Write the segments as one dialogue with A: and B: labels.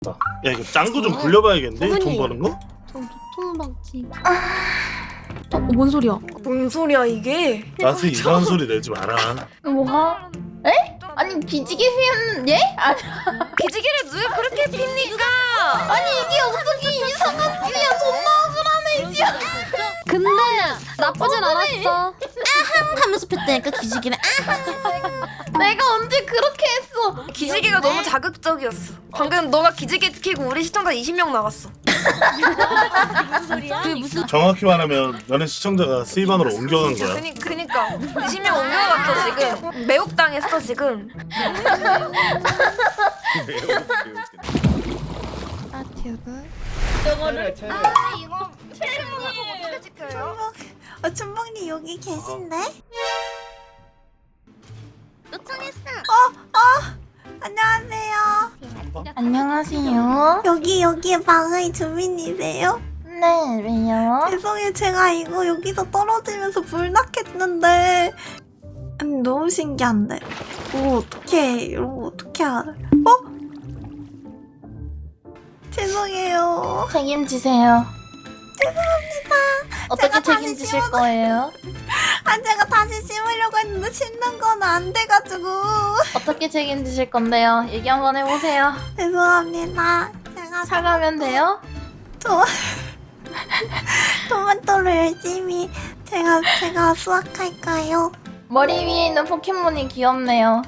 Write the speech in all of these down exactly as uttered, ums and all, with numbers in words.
A: 야 이거 짱구 좀 굴려봐야겠는데? 돈 버는 거?
B: 통박지. 어, 뭔 소리야?
C: 뭔 소리야 이게?
A: 나한테 이상한 소리 내지 마라.
D: 뭐가? 에? 아니 기지개 피우는 예? 아니,
C: 기지개를 왜 그렇게 핍니까?
D: 아니 이게 어떻게 이상한 소리야? 존나 억울하네 이제.
B: 근데 나쁘진 않았어. 아항 하면서 폈다니까 기지개를.
D: 내가 언제 그렇게 했어?
C: 기지개가 너무 자극적이었어. 방금 너가 기지개 켜고 우리 시청자 이십 명 나갔어.
B: 그게 무슨
A: 정확히 말하면 너네 시청자가 스위반으로 옮겨간 거야.
C: 그니, 그니까 이십 명 옮겨갔어 지금. 매혹당했어 지금.
B: 아 튜브?
D: 저거를
C: 아 이거 촬영을 어떻게 찍혀요?
E: 어, 춘봉님 여기 계신데?
B: 요청했어.
E: 안녕하세요.
D: 안녕하세요.
E: 여기 여기 방의 주민이세요?
D: 네 왜요?
E: 죄송해요. 제가 이거 여기서 떨어지면서 불났겠는데 아니, 너무 신기한데. 뭐 어떻게 이런 거 어떻게 알아요? 어? 죄송해요.
D: 책임지세요.
E: 죄송합니다.
D: 어떻게
E: 제가 다시
D: 책임지실
E: 심어도-
D: 거예요?
E: 아 제가 다시 심으려고 했는데 심는 건 안 돼가지고
D: 어떻게 책임지실 건데요? 얘기 한번 해보세요.
E: 죄송합니다. 제가
D: 사가면 돼요?
E: 저 토마토를 열심히 제가 제가 수확할까요?
D: 머리 위에 있는 포켓몬이 귀엽네요.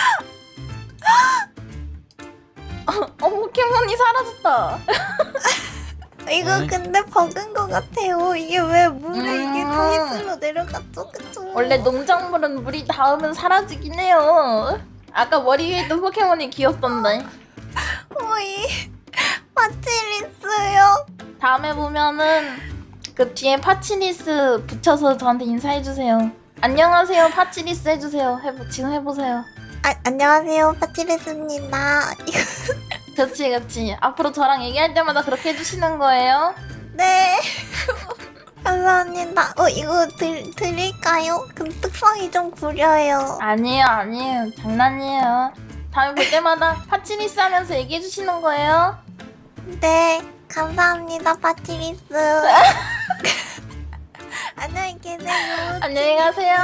D: 어, 포켓몬이 사라졌다.
E: 이거
A: 네.
E: 근데 버그인 것 같아요. 이게 왜 물에 이게
D: 음.
E: 타이스로 내려갔죠, 그쵸?
D: 원래 농작물은 물이 닿으면 사라지긴 해요. 아까 머리 위에 있던 포켓몬이 귀엽던데.
E: 오이 파치리스요.
D: 다음에 보면은 그 뒤에 파치리스 붙여서 저한테 인사해주세요. 안녕하세요 파치리스 해주세요. 해보, 지금 해보세요.
E: 아 안녕하세요, 파치리스입니다. 이거
D: 그치 그치. 앞으로 저랑 얘기할 때마다 그렇게 해주시는 거예요?
E: 네. 감사합니다. 어 이거 드, 드릴까요? 그 특성이 좀 구려요.
D: 아니에요 아니에요 장난이에요. 다음에 볼 때마다 파치리스 하면서 얘기해 주시는 거예요?
E: 네, 감사합니다, 파치리스. 안녕히 계세요.
D: 안녕히 가세요.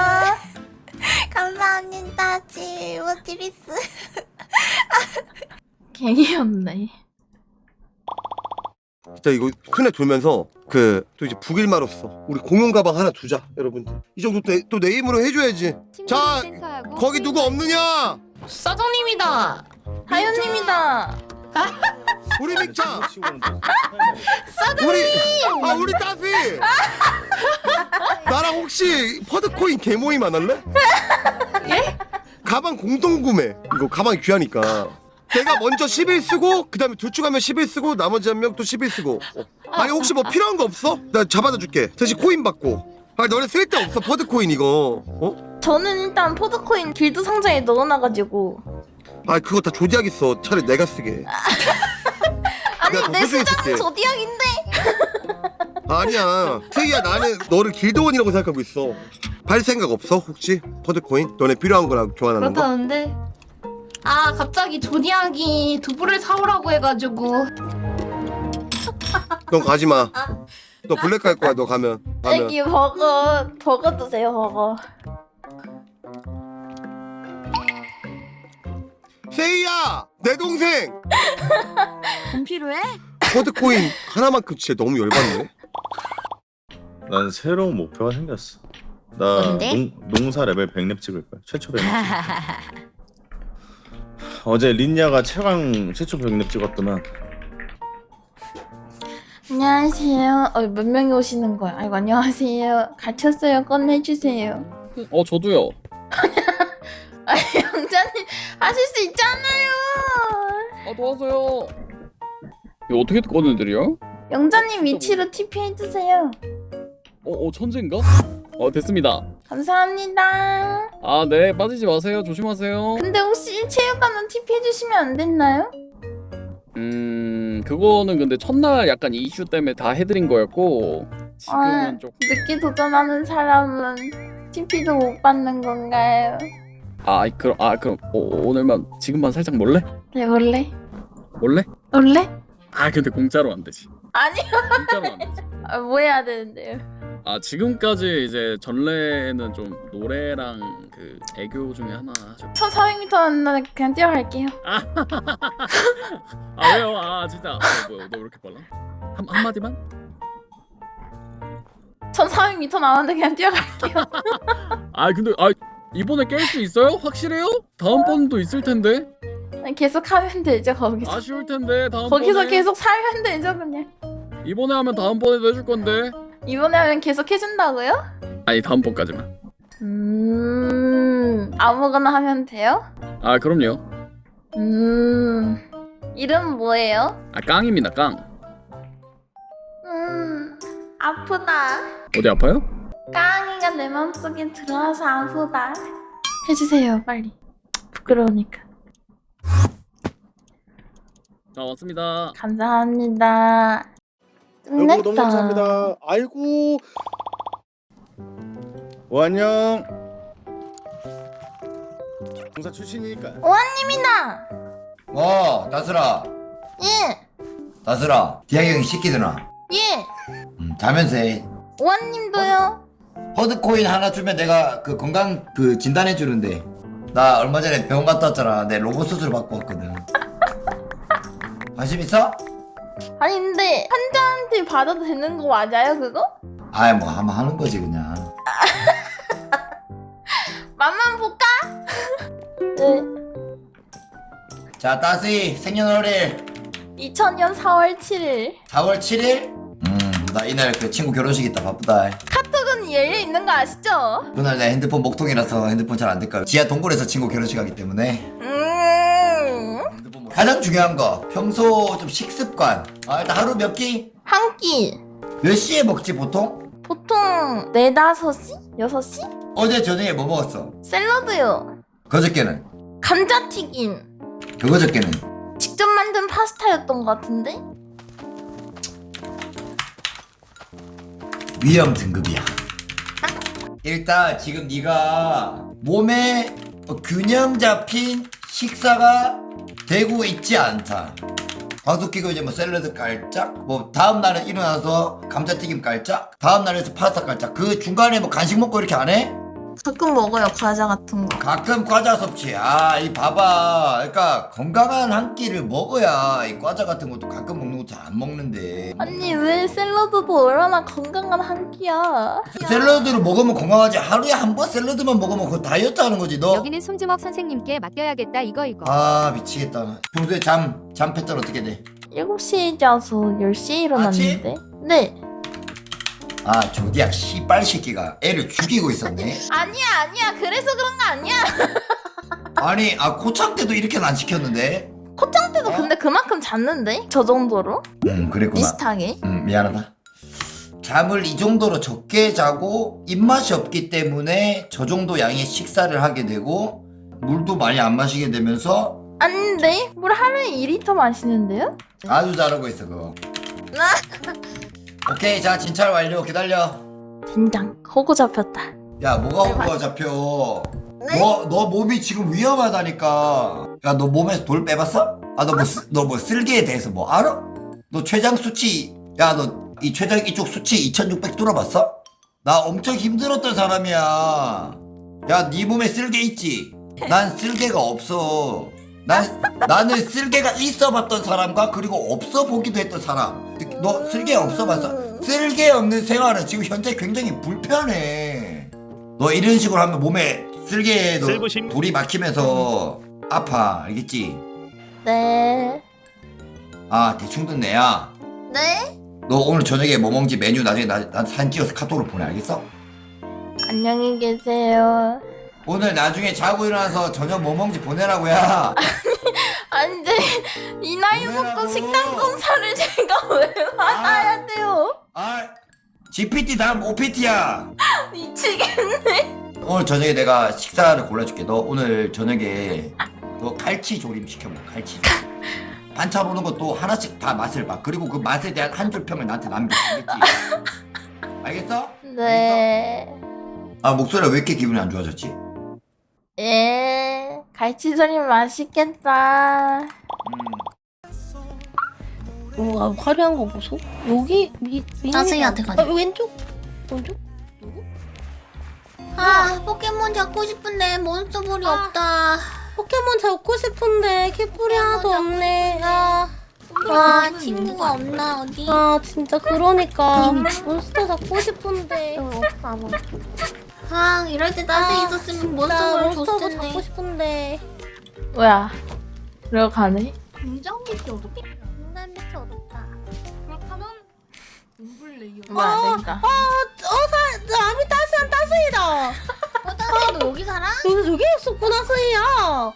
E: 감사합니다, 지 파치리스.
D: 개귀엽네.
F: 진짜 이거 손에 돌면서 그 또 이제 북일마로서 우리 공용 가방 하나 두자 여러분들. 이 정도 또, 또 내 힘으로 해줘야지. 자 거기 누구 없느냐?
B: 사장님이다.
D: 하윤님이다.
F: 우리 믹차. 우리 아 우리 따피. 나랑 혹시 퍼드코인 개모임 안 할래?
D: 예?
F: 가방 공동 구매. 이거 가방이 귀하니까. 내가 먼저 십 일 쓰고 그 다음에 둘 중 한 명 십 일 쓰고 나머지 한 명 또 십 일 쓰고. 어. 아니 혹시 뭐 필요한 거 없어? 나 잡아다 줄게. 대신 코인 받고. 아 너네 쓸데 없어 퍼드코인 이거. 어?
D: 저는 일단 포드코인 길드 상자에 넣어놔가지고.
F: 아 그거 다 조디하겠어. 차라리 내가 쓰게.
D: 아니
F: 내가 더
D: 내
F: 소중히
D: 수장은
F: 쓸게.
D: 조디악인데.
F: 아니야 세이야 나는 너를 길드원이라고 생각하고 있어. 팔 생각 없어 혹시? 퍼드코인? 너네 필요한 거랑 교환하는 거?
B: 그렇다는데. 아 갑자기 조디악이 두부를 사오라고 해가지고.
F: 넌 가지마. 너 블랙 갈 거야 너 가면. 가면.
D: 애기 버거 버거 드세요 버거.
F: 세이야 내 동생
B: 돈 필요해?
F: 퍼드코인 하나만큼 진짜 너무 열받네.
G: 난 새로운 목표가 생겼어. 나
B: 뭔데?
G: 농, 농사 레벨 백 렙 찍을 거야. 최초 백 렙. 어제 린냐가 최강 최초 백 렙 찍었더만.
D: 안녕하세요. 어, 몇 명이 오시는 거야? 아이고 안녕하세요. 갇혔어요. 꺼내주세요.
H: 어 저도요.
D: 아 영자님 하실 수 있잖아요.
H: 아 도와줘요. 이거 어떻게 꺼내드려?
D: 영자님 위치로 티피 해주세요.
H: 어, 어 천재인가? 어 됐습니다.
D: 감사합니다.
H: 아 네 빠지지 마세요. 조심하세요.
D: 근데 혹시 체육관은 티피 해주시면 안 됐나요?
H: 음 그거는 근데 첫날 약간 이슈 때문에 다 해드린 거였고 지금은
D: 아,
H: 좀.
D: 늦게 도전하는 사람은 티피도 못 받는 건가요?
H: 아 그럼 아 그럼 어, 오늘만 지금만 살짝 몰래?
D: 네 원래
H: 몰래?
D: 원래?
H: 아 근데 공짜로 안 되지.
D: 아니요.
H: 공짜로 안 되지.
D: 아, 뭐 해야 되는데요?
H: 아 지금까지 이제 전래는 좀 노래랑 그 애교 중에 하나 하죠.
D: 천사백 미터는 그냥 뛰어갈게요.
H: 아 왜요? 아 진짜. 아, 뭐야 너 왜 이렇게 빨라? 한 한마디만?
D: 천사백 미터 나왔는데 그냥 뛰어갈게요.
H: 아 근데 아 이번에 깰 수 있어요? 확실해요? 다음번도 있을 텐데.
D: 계속 하면 되죠 거기서.
H: 아쉬울 텐데 다음번에.
D: 거기서 계속 살면 되죠 그냥.
H: 이번에 하면 다음번에도 해줄 건데.
D: 이번에 하면 계속 해준다고요?
H: 아니 다음번까지만.
D: 음 아무거나 하면 돼요?
H: 아 그럼요.
D: 음 이름 뭐예요?
H: 아 깡입니다 깡.
D: 음 아프다.
H: 어디 아파요?
D: 깡이가 내 맘속에 들어와서 아프다. 해주세요 빨리. 부끄러우니까.
H: 자 왔습니다.
D: 감사합니다. 끝냈다.
G: 여보 너무 감사합니다. 아이고. 오 안녕. 공사 출신이니까.
D: 오한님이다.
I: 어, 나슬아.
D: 예.
I: 나슬아. 디아이 형이 시키더나.
D: 예.
I: 음, 자면서 해.
D: 오한님도요.
I: 허드코인 하나 주면 내가 그 건강 그 진단해 주는데. 나 얼마 전에 병원 갔다 왔잖아. 내 로봇 수술 받고 왔거든. 관심 있어?
D: 아니 근데 환자한테 받아도 되는 거 맞아요 그거?
I: 아이 뭐 한번 하는 거지 그냥.
D: 맛만 볼까? 네.
I: 자, 따스이 생년월일
D: 이천년 사월 칠일.
I: 사월 칠일? 음, 나 이날 그 친구 결혼식 있다 바쁘다.
D: 카톡은 열려 있는 거 아시죠?
I: 그날 내 핸드폰 목통이라서 핸드폰 잘 안 될까. 지하 동굴에서 친구 결혼식 하기 때문에.
D: 음.
I: 핸드폰 뭐- 가장 중요한 거 평소 좀 식습관. 아 일단 하루 몇 끼?
D: 한 끼.
I: 몇 시에 먹지 보통?
D: 보통 네다섯 시? 여섯 시?
I: 어제 저녁에 뭐 먹었어?
D: 샐러드요.
I: 그저께는?
D: 감자튀김.
I: 그거저께는?
D: 직접 만든 파스타였던 것 같은데?
I: 위험 등급이야. 일단 지금 네가 몸에 균형 잡힌 식사가 되고 있지 않다. 방송 끼고 이제 뭐 샐러드 깔짝, 뭐 다음 날에 일어나서 감자튀김 깔짝, 다음 날에서 파스타 깔짝. 그 중간에 뭐 간식 먹고 이렇게 안 해?
E: 가끔 먹어요 과자 같은 거.
I: 가끔 과자 섭취. 아, 이 봐봐. 그러니까 건강한 한 끼를 먹어야 이 과자 같은 것도 가끔 먹는 거 잘 안 먹는데.
D: 아니 왜 샐러드도 얼마나 건강한 한 끼야.
I: 샐러드를 먹으면 건강하지. 하루에 한 번 샐러드만 먹으면 그거 다이어트 하는 거지 너.
J: 여기는 손주먹 선생님께 맡겨야겠다 이거 이거.
I: 아 미치겠다. 평소에 잠, 잠 패턴 어떻게 돼?
D: 일곱 시에 자서 열 시에 일어났는데. 네.
I: 아 조디악 씨발 새끼가 애를 죽이고 있었네.
D: 아니야 아니야 그래서 그런 거 아니야.
I: 아니 아 코창 때도 이렇게는 안 시켰는데.
D: 코창 때도
I: 어?
D: 근데 그만큼 잤는데? 저 정도로?
I: 음 그랬구나.
D: 비슷하게.
I: 음 미안하다. 잠을 이 정도로 적게 자고 입맛이 없기 때문에 저 정도 양의 식사를 하게 되고 물도 많이 안 마시게 되면서
D: 아닌데? 물 하루에 이 리터 마시는데요?
I: 아주 잘하고 있어 그거. 오케이 자 진찰 완료. 기다려.
D: 된장 호구 잡혔다.
I: 야 뭐가 호구가 잡혀. 너, 너 몸이 지금 위험하다니까. 야 너 몸에서 돌 빼봤어? 아 너 뭐 너 뭐 쓸개에 대해서 뭐 알아? 너 췌장 수치 야 너 이 췌장 이쪽 수치 이천육백 뚫어봤어? 나 엄청 힘들었던 사람이야. 야 네 몸에 쓸개 있지? 난 쓸개가 없어. 난 나는 쓸개가 있어봤던 사람과 그리고 없어 보기도 했던 사람. 너 쓸개 없어봤어? 쓸개 없는 생활은 지금 현재 굉장히 불편해. 너 이런 식으로 하면 몸에 쓸개에 돌이 막히면서 아파. 알겠지?
D: 네.
I: 아 대충 듣네. 야
D: 네?
I: 너 오늘 저녁에 뭐 먹는지 메뉴 나중에 나, 나 사진 찍어서 카톡으로 보내. 알겠어?
D: 안녕히 계세요.
I: 오늘 나중에 자고 일어나서 저녁 뭐 먹는지 보내라고. 야
D: 아니 근데 이 나이 먹고
I: 보내라고.
D: 식단 검사를 제가 왜 받아야 돼요?
I: 아 지피티 다음 오피티야.
D: 미치겠네.
I: 오늘 저녁에 내가 식사를 골라줄게. 너 오늘 저녁에 너 갈치 조림 시켜먹어. 갈치 조림. 반찬 오는 것도 하나씩 다 맛을 봐. 그리고 그 맛에 대한 한 줄 평을 나한테 남겨. 알겠지? 알겠어?
D: 네.
I: 알겠어? 아 목소리가 왜 이렇게 기분이 안 좋아졌지?
D: 예. 갈치조림 맛있겠다.
I: 음.
K: 와 화려한 거 보소. 여기 미 미.
B: 따스이한테 가자.
K: 아, 왼쪽 왼쪽.
B: 아 포켓몬 잡고 싶은데 몬스터볼이
K: 아.
B: 없다.
K: 포켓몬 잡고 싶은데 캐플이 하나도 없네. 아.
B: 아 친구가 없나 어디?
K: 아 진짜 그러니까 몬스터 잡고 싶은데.
B: 아 이럴 때 따스
K: 아,
B: 있었으면
K: 나
B: 몬스터볼
K: 몬스터
B: 줬을 텐데.
K: 잡고 싶은데.
D: 뭐야? 이러고 가네?
B: 굉장히 어렵다.
K: 인간 대체 어렵다.
B: 그렇다면 눈블레이어.
D: 뭐야 안 되니까.
K: 아, 어사 아미 따스한 따스이다.
B: 어 따스 너 여기 살아?
K: 여기 여기 있었구나 스이야.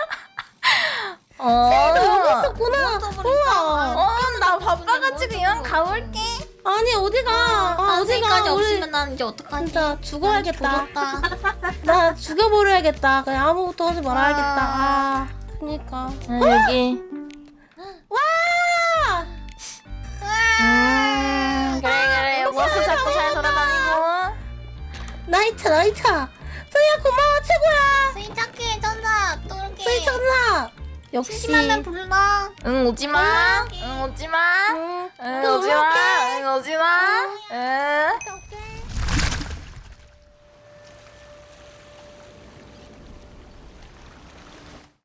D: 어.
K: 여기 있었구나. 우와.
D: 어, 나 바빠가지고 이만 가볼게.
K: 아니 어디가? 아,
B: 따스까지
K: 어디가? 우리
B: 없으면 난 이제 어떡하지?
K: 진짜 죽어야겠다.
B: 죽었다.
K: 나 죽여버려야겠다. 그냥 아무것도 하지 말아야겠다. 아, 그니까.
D: 응, 여기.
K: 와!
D: 음, 그래 그래. 몬스터 잡고 잘 돌아다니고.
K: 나이차 나이차. 스이야 고마워 최고야.
B: 스이 착해 천사 또 이렇게.
K: 스이 천사. 역시.
B: 심심하면 불러.
D: 응 오지마. 응 오지마.
K: 응.
D: 응 오지마. 응 오지마. 응.